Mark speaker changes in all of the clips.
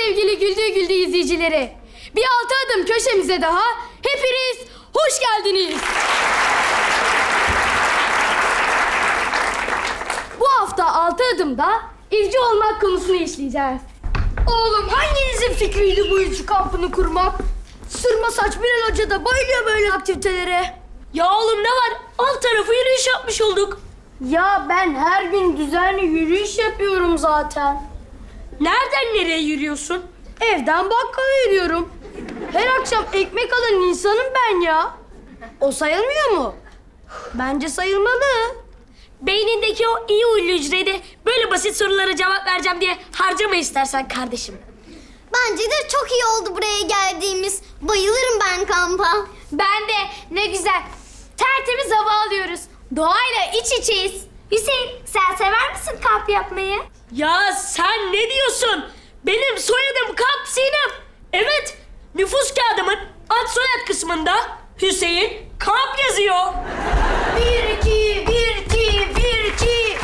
Speaker 1: sevgili Güldüğü Güldüğü izleyicileri. Bir altı adım köşemize daha hepiniz hoş geldiniz. Bu hafta altı adımda izci olmak konusunu işleyeceğiz. Oğlum hanginizin fikriydi bu izci kampını kurmak? Sırma saç Bilal Hoca da bayılıyor böyle aktivitelere.
Speaker 2: Ya oğlum ne var? Alt tarafı yürüyüş yapmış olduk.
Speaker 1: Ya ben her gün düzenli yürüyüş yapıyorum zaten.
Speaker 2: Nereden nereye yürüyorsun?
Speaker 1: Evden bakkala yürüyorum. Her akşam ekmek alan insanım ben ya. O sayılmıyor mu? Bence sayılmalı.
Speaker 2: Beynindeki o iyi huylu hücreyi de böyle basit sorulara cevap vereceğim diye harcama istersen kardeşim.
Speaker 3: Bence de çok iyi oldu buraya geldiğimiz. Bayılırım ben kampa.
Speaker 1: Ben de ne güzel. Tertemiz hava alıyoruz. Doğayla iç içeyiz.
Speaker 3: Hüseyin, sen sever misin kamp yapmayı?
Speaker 2: Ya sen ne diyorsun? Benim soyadım Kamp Sinem. Evet, nüfus kağıdımın ad soyad kısmında Hüseyin Kamp yazıyor.
Speaker 1: 1-2, 1-2, 1-2.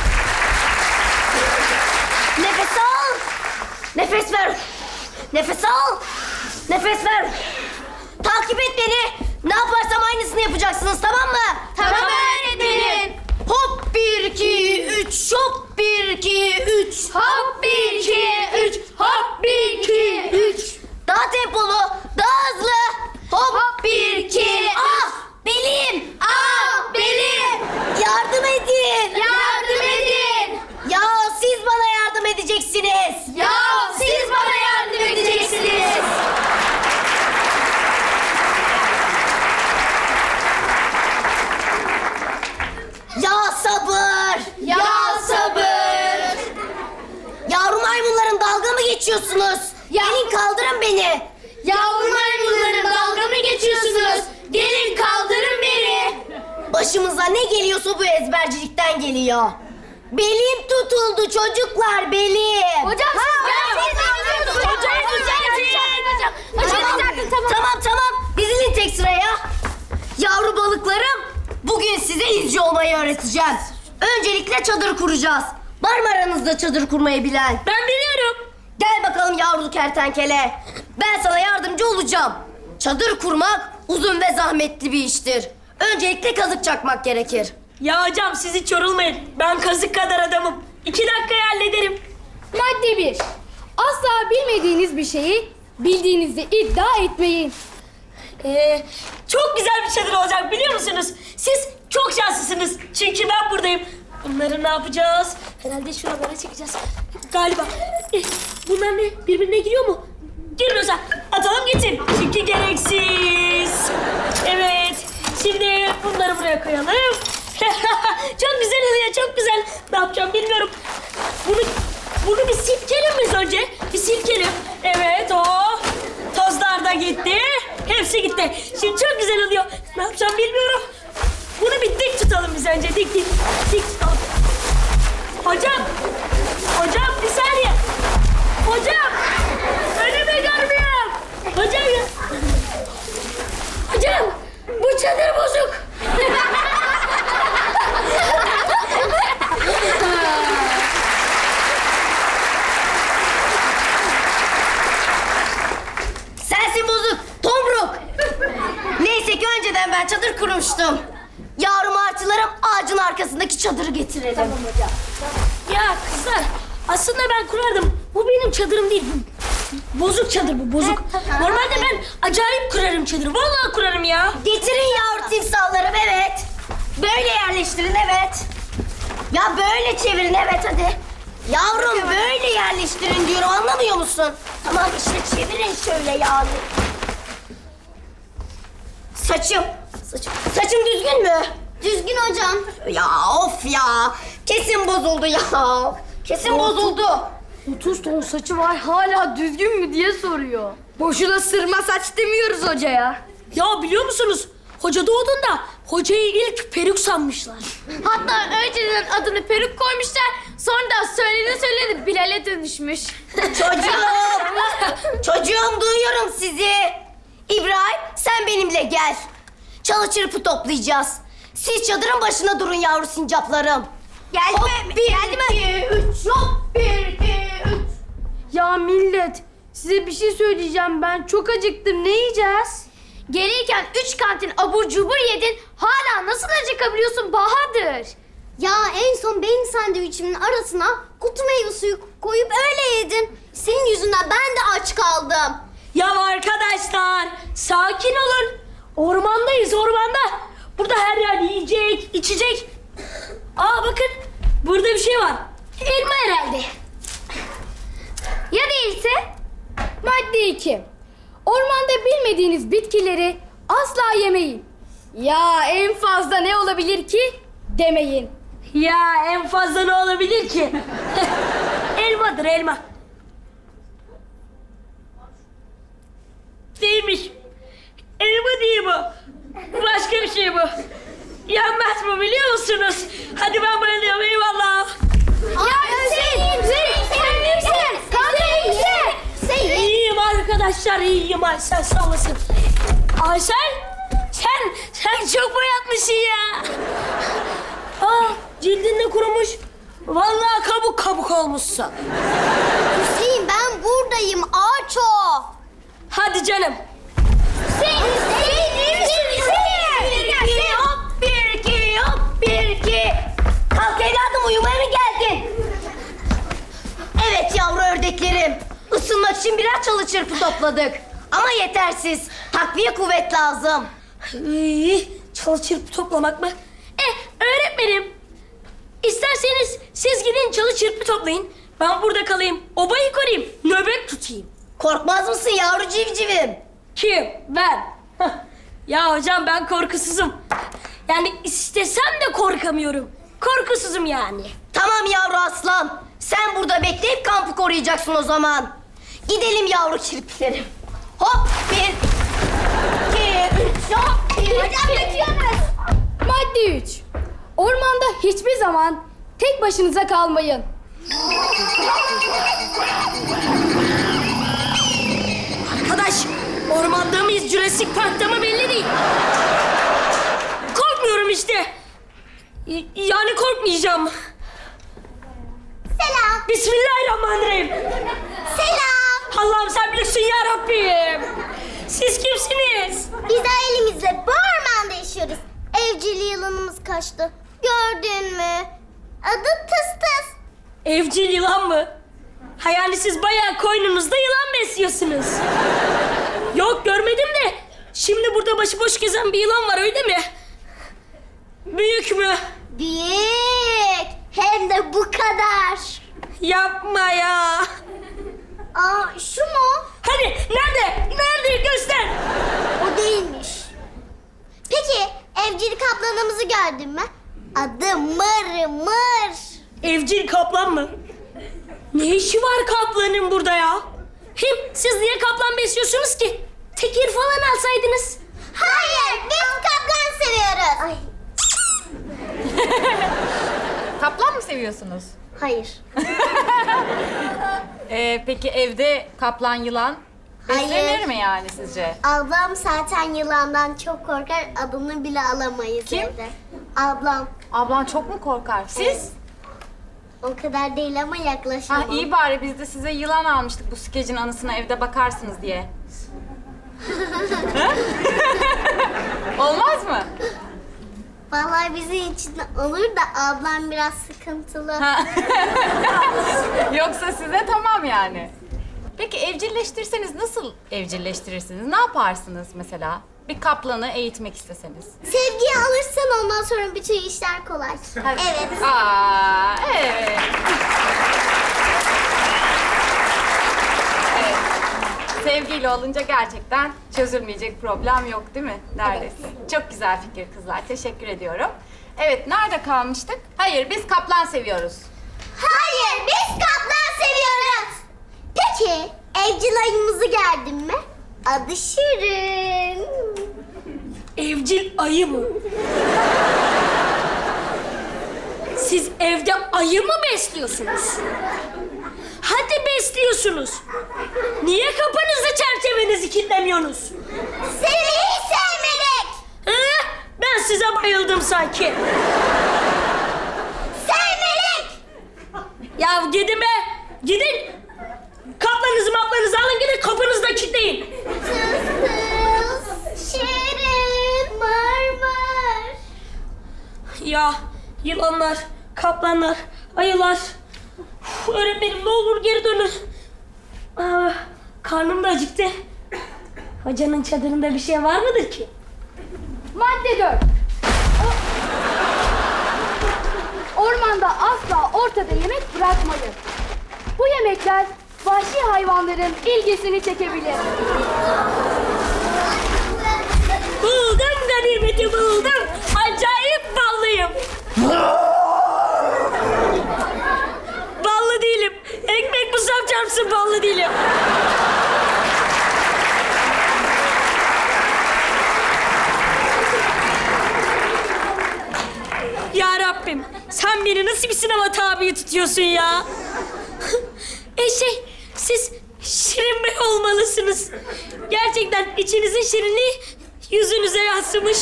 Speaker 3: Nefes al. Nefes ver. Nefes al. Nefes ver. Takip et beni. Ne yaparsam aynısını yapacaksınız, tamam mı?
Speaker 1: Tamam öğretmenim.
Speaker 3: Hop 1-2-3, hop 1-2-3.
Speaker 1: Hop 1-2-3, hop 1-2-3.
Speaker 3: Daha tempolu, daha hızlı. Hop 1-2, ah belim, ah belim. Yardım edin.
Speaker 1: Yardım edin.
Speaker 3: Ya siz bana yardım edeceksiniz.
Speaker 1: Ya siz bana yardım edeceksiniz.
Speaker 3: Ya sabır.
Speaker 1: Ya sabır.
Speaker 3: Yavru maymunların dalga mı geçiyorsunuz? Gelin kaldırın beni.
Speaker 1: Yavru maymunların dalga mı geçiyorsunuz? Gelin kaldırın beni.
Speaker 3: Başımıza ne geliyorsa bu ezbercilikten geliyor. Belim tutuldu çocuklar, belim.
Speaker 1: Hocam siz
Speaker 3: Tamam. Dizilin tek sıraya. Yavru balıklarım, bugün size izci olmayı öğreteceğim. Öncelikle çadır kuracağız. Var mı aranızda çadır kurmayı bilen?
Speaker 2: Ben biliyorum.
Speaker 3: Gel bakalım yavru kertenkele. Ben sana yardımcı olacağım. Çadır kurmak uzun ve zahmetli bir iştir. Öncelikle kazık çakmak gerekir.
Speaker 2: Ya hocam siz hiç yorulmayın. Ben kazık kadar adamım. 2 dakikaya hallederim.
Speaker 1: Madde 1. Asla bilmediğiniz bir şeyi bildiğinizi iddia etmeyin.
Speaker 2: Çok güzel bir çadır olacak biliyor musunuz? Siz çok şanslısınız. Çünkü ben buradayım. Bunları ne yapacağız? Herhalde şuralara çekeceğiz. Galiba. Bunlar ne? Birbirine giriyor mu? Girmiyorsa atalım gitsin. Çünkü gereksiz. Evet. Şimdi bunları buraya koyalım. Çok güzel oluyor, çok güzel. Ne yapacağım bilmiyorum. Bunu bir silkelim biz önce. Bir silkelim. Evet o. Tozlar da gitti. Hepsi gitti. Şimdi çok güzel oluyor. Ne yapacağım bilmiyorum. Bunu bir dik tutalım biz önce. Dik tutalım. Hocam bir saniye. Hocam. Önümü görmüyorum. Hocam bu çadır bozuk.
Speaker 3: Sensin bozuk, tomruk. Neyse ki önceden ben çadır kurmuştum. Yavru martılarım, ağacın arkasındaki çadırı getirelim. Tamam hocam.
Speaker 2: Ya kızlar aslında ben kurardım. Bu benim çadırım değil. Bozuk çadır bu, bozuk. Normalde ben acayip kurarım çadırı. Vallahi kurarım ya.
Speaker 3: Getirin yavru timsahlarım, evet. Böyle yerleştirin, evet. Ya böyle çevirin, evet hadi. Yavrum böyle yerleştirin diyorum, anlamıyor musun? Tamam işte çevirin şöyle yani. Saçım düzgün mü? Düzgün hocam. Ya of ya. Kesin bozuldu ya. Kesin bozuldu.
Speaker 1: 30 ton saçı var hala düzgün mü diye soruyor. Boşuna sırma saç demiyoruz hocaya.
Speaker 2: Ya biliyor musunuz? Hoca doğduğunda hocayı ilk peruk sanmışlar.
Speaker 1: Hatta önceden adını peruk koymuşlar. Sonra da söyledi Bilal'e dönüşmüş.
Speaker 3: Çocuğum duyuyorum sizi. İbrahim sen benimle gel. Çalı çırpı toplayacağız. Siz çadırın başına durun yavru sincaplarım. Geldi mi?
Speaker 1: Hop 1, 2, 3. Hop 1, 2, 3. Ya millet Size bir şey söyleyeceğim, ben çok acıktım. Ne yiyeceğiz?
Speaker 3: Gelirken 3 kantin abur cubur yedin. Hala nasıl acıkabiliyorsun Bahadır? Ya en son benim sandviçimin arasına kutu meyve suyu koyup öyle yedin. Senin yüzünden ben de aç kaldım.
Speaker 2: Ya arkadaşlar sakin olun. Ormandayız ormanda. Burada her yer yiyecek, içecek. Aa bakın burada bir şey var. Elma herhalde.
Speaker 1: Ya değilse? Madde 2. Ormanda bilmediğiniz bitkileri asla yemeyin. Ya en fazla ne olabilir ki? Demeyin.
Speaker 2: Ya en fazla ne olabilir ki? Elmadır elma. Değilmiş. Elma değil bu. Başka bir şey bu. Yenmez bu biliyor musunuz? Hadi ben bayılıyorum eyvallah. İyiyim arkadaşlar iyiyim Aysel sağ olasın. Aysel sen çok boyatmışsın ya. Aa cildin de kurumuş. Vallahi kabuk kabuk olmuşsun.
Speaker 3: Hüseyin ben buradayım ağaç o.
Speaker 2: Hadi canım.
Speaker 3: Hop bir iki hop bir iki. Kalk evladım uyumaya mı geldin? Evet yavru ördeklerim. Isınmak için birer çalı çırpı topladık. Ama yetersiz. Takviye kuvvet lazım.
Speaker 2: Çalı çırpı toplamak mı? Öğretmenim. İsterseniz siz gidin çalı çırpı toplayın. Ben burada kalayım. Obayı koruyayım. Nöbet tutayım.
Speaker 3: Korkmaz mısın yavru civcivim?
Speaker 2: Kim? Ben. Hah. Ya hocam ben korkusuzum. Yani istesem de korkamıyorum. Korkusuzum yani.
Speaker 3: Tamam yavru aslan. Sen burada bekleyip kampı koruyacaksın o zaman. Gidelim yavru çirpiklerim. Hop bir, iki, üç, hop bir, iki.
Speaker 1: Madde 3. Ormanda hiçbir zaman tek başınıza kalmayın.
Speaker 2: Arkadaş ormanda mıyız Jurassic Park'ta mı belli değil. Korkmuyorum işte. Yani korkmayacağım.
Speaker 3: Selam.
Speaker 2: Bismillahirrahmanirrahim.
Speaker 3: Selam.
Speaker 2: Allah'ım sen bilirsin ya Rabbim. Siz kimsiniz?
Speaker 3: Biz ailemizle bu ormanda yaşıyoruz. Evcil yılanımız kaçtı. Gördün mü? Adı Tıs Tıs.
Speaker 2: Evcil yılan mı? Ha yani siz bayağı koynunuzda yılan besliyorsunuz. Yok görmedim de. Şimdi burada başıboş gezen bir yılan var öyle mi? Büyük mü?
Speaker 3: Büyük. Hem de bu kadar.
Speaker 2: Yapma ya.
Speaker 3: Aa şu mu?
Speaker 2: Hani nerede? Nerede? Göster.
Speaker 3: O değilmiş. Peki evcil kaplanımızı gördün mü? Adı Mır Mır.
Speaker 2: Evcil kaplan mı? Ne işi var kaplanın burada ya? Hem siz niye kaplan besliyorsunuz ki? Tekir falan alsaydınız.
Speaker 3: Hayır biz kaplan seviyoruz. Ay.
Speaker 4: Kaplan mı seviyorsunuz?
Speaker 3: Hayır.
Speaker 4: Peki evde kaplan, yılan beslenir
Speaker 3: Hayır.
Speaker 4: mi yani sizce?
Speaker 3: Ablam zaten yılandan çok korkar. Adını bile alamayız
Speaker 4: Kim?
Speaker 3: evde. Ablam.
Speaker 4: Ablan çok mu korkar? Siz?
Speaker 3: O kadar değil ama
Speaker 4: Ha
Speaker 3: yaklaşamam.
Speaker 4: iyi bari biz de size yılan almıştık bu skecin anısına evde bakarsınız diye. Ha? Olmaz mı?
Speaker 3: Vallahi bizim için olur da ablam biraz sıkıntılı.
Speaker 4: Ha. Yoksa size tamam yani. Peki evcilleştirseniz nasıl evcilleştirirsiniz? Ne yaparsınız mesela? Bir kaplanı eğitmek isteseniz.
Speaker 3: Sevgiyi alırsan ondan sonra bütün işler kolay.
Speaker 4: Hadi.
Speaker 3: Evet.
Speaker 4: Aa, evet. Evet. Sevgiyle olunca gerçekten çözülmeyecek problem yok değil mi? Neredeyse. Çok güzel fikir kızlar. Teşekkür ediyorum. Evet, nerede kalmıştık? Hayır, biz kaplan seviyoruz.
Speaker 3: Hayır biz kaplan seviyoruz. Peki evcil ayımızı gördün mü? Adı Şirin.
Speaker 2: Evcil ayı mı? Siz evde ayı mı besliyorsunuz? Hadi besliyorsunuz. Niye kapınızı çerçevenizi kilitlemiyorsunuz?
Speaker 3: Seni hiç sevmedik.
Speaker 2: Ben size bayıldım sanki.
Speaker 3: Sevmedik.
Speaker 2: Ya gidin be. Gidin. Kaplanızı maplanızı alın gidin de kapınızda kilitleyin.
Speaker 3: Şirin, Marmar.
Speaker 2: Ya yılanlar, kaplanlar, ayılar. Öğretmenim ne olur geri dönün. Karnım da acıktı. Hocanın çadırında bir şey var mıdır ki?
Speaker 1: Madde 4. Ormanda asla ortada yemek bırakmayın. Bu yemekler vahşi hayvanların ilgisini çekebilir.
Speaker 2: Buldum ganimeti buldum. Acayip ballıyım. Ballı değilim. Ekmek musam çarpsın ballı değilim. Ya Rabbim, sen beni nasıl bir sınava tabi tutuyorsun ya? Siz Şirin Bey olmalısınız. Gerçekten içinizin şirinliği yüzünüze yansımış.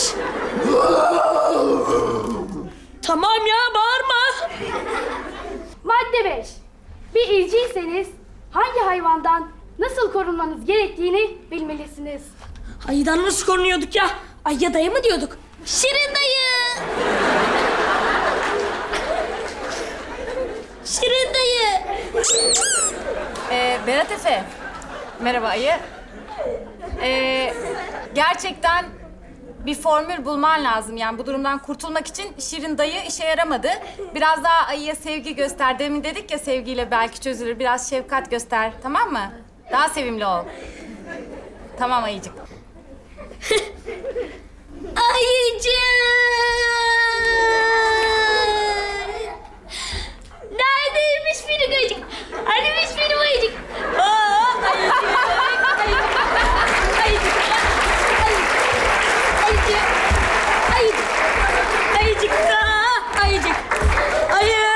Speaker 2: Tamam ya, bağırma.
Speaker 1: Madde 5. Bir izciyseniz hangi hayvandan nasıl korunmanız gerektiğini bilmelisiniz.
Speaker 2: Ayıdan nasıl korunuyorduk ya? Ayıya dayı mı diyorduk? Şirin dayı! Şirin dayı!
Speaker 4: Berat Efe. Merhaba Ayı. Gerçekten bir formül bulman lazım. Yani bu durumdan kurtulmak için Şirin dayı işe yaramadı. Biraz daha Ayı'ya sevgi göster. Demin dedik ya sevgiyle belki çözülür. Biraz şefkat göster. Tamam mı? Daha sevimli ol. Tamam Ayıcık.
Speaker 2: Ayıcık! Neredeymiş benim ayıcık? Hanimiş benim ayıcık? Aa, ayıcık! Ayıcık! Ayıcık! Ayıcık! Ayıcık! Aa, ayıcık! Ayı!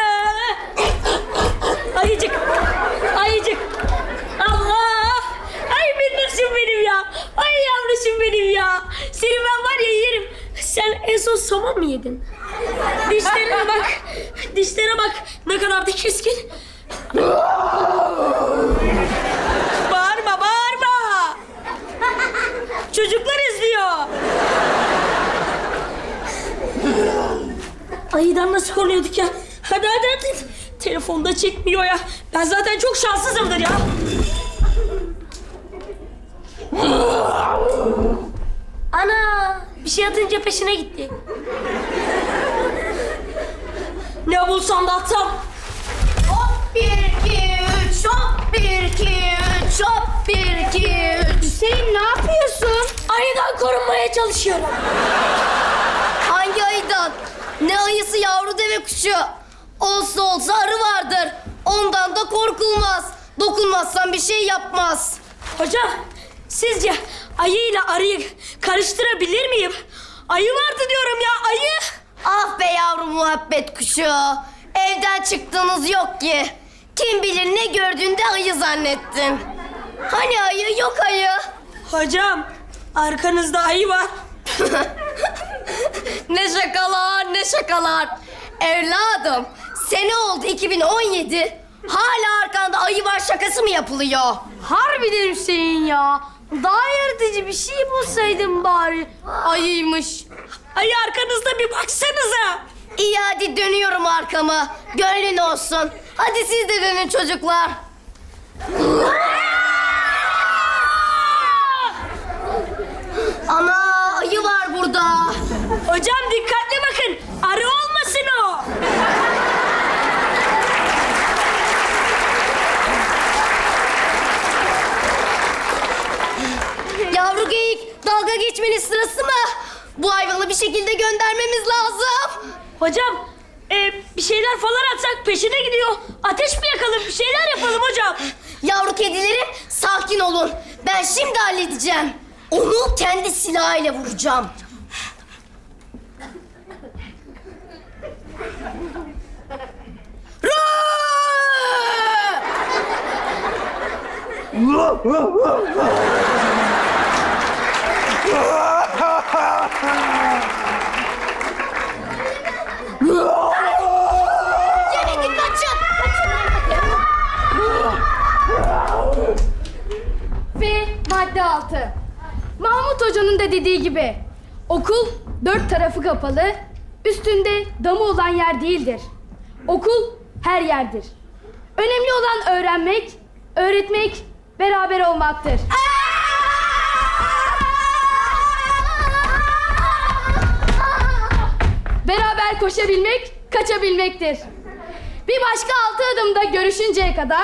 Speaker 2: Ayıcık! Ayıcık! Allah! Ay minnoşum benim ya! Ay yavruşum benim ya! Seni ben var ya yerim. Sen en son somon mu yedin? Dişlerine bak. Dişlere bak. Ne kadar da keskin. Bağırma, bağırma. Çocuklar izliyor. Ayıdan nasıl korunuyorduk ya? Hadi hadi hadi. Telefonda çekmiyor ya. Ben zaten çok şanssızımdır ya. Ana, bir şey atınca peşine gitti. Ne bulsam da atsam.
Speaker 3: Hop 1 2 3 hop 1 2 3 hop 1 2 3.
Speaker 1: Hüseyin ne yapıyorsun?
Speaker 2: Ayıdan korunmaya çalışıyorum.
Speaker 3: Hangi ayıdan? Ne ayısı yavru deve kuşu? Olsa olsa arı vardır. Ondan da korkulmaz. Dokunmazsan bir şey yapmaz.
Speaker 2: Hocam, sizce ayı ile arıyı karıştırabilir miyim? Ayı vardı diyorum ya, ayı.
Speaker 3: Ah be yavru muhabbet kuşu. Evden çıktığınız yok ki. Kim bilir ne gördüğünde ayı zannettin. Hani ayı yok ayı.
Speaker 2: Hocam, arkanızda ayı var.
Speaker 3: Ne şakalar ne şakalar. Evladım sene oldu 2017. Hala arkanda ayı var şakası mı yapılıyor?
Speaker 1: Harbiden Hüseyin ya. Daha yaratıcı bir şey bulsaydın bari. Ayıymış.
Speaker 2: Ayı arkanızda bir baksanıza.
Speaker 3: İyi hadi dönüyorum arkama. Gönlün olsun. Hadi siz de dönün çocuklar. Ana ayı var burada.
Speaker 2: Hocam dikkatli bakın, arı olmasın o.
Speaker 3: Yavru geyik dalga geçmenin sırası mı? Bu hayvanı bir şekilde göndermemiz lazım.
Speaker 2: Hocam, bir şeyler falan atsak peşine gidiyor. Ateş mi yakalım, bir şeyler yapalım hocam.
Speaker 3: Yavru kedilerim sakin olun. Ben şimdi halledeceğim. Onu kendi silahıyla vuracağım. Yemedim kaçın. Kaçın.
Speaker 1: Hoca'nın da dediği gibi okul dört tarafı kapalı, üstünde damı olan yer değildir. Okul her yerdir. Önemli olan öğrenmek, öğretmek, beraber olmaktır. Beraber koşabilmek, kaçabilmektir. Bir başka 6 adımda görüşünceye kadar...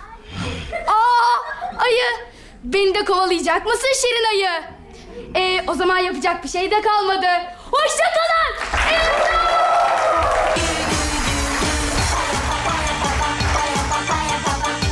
Speaker 1: Ayı! Beni de kovalayacak mısın Şirin ayı? O zaman yapacak bir şey de kalmadı. Hoşça kalın!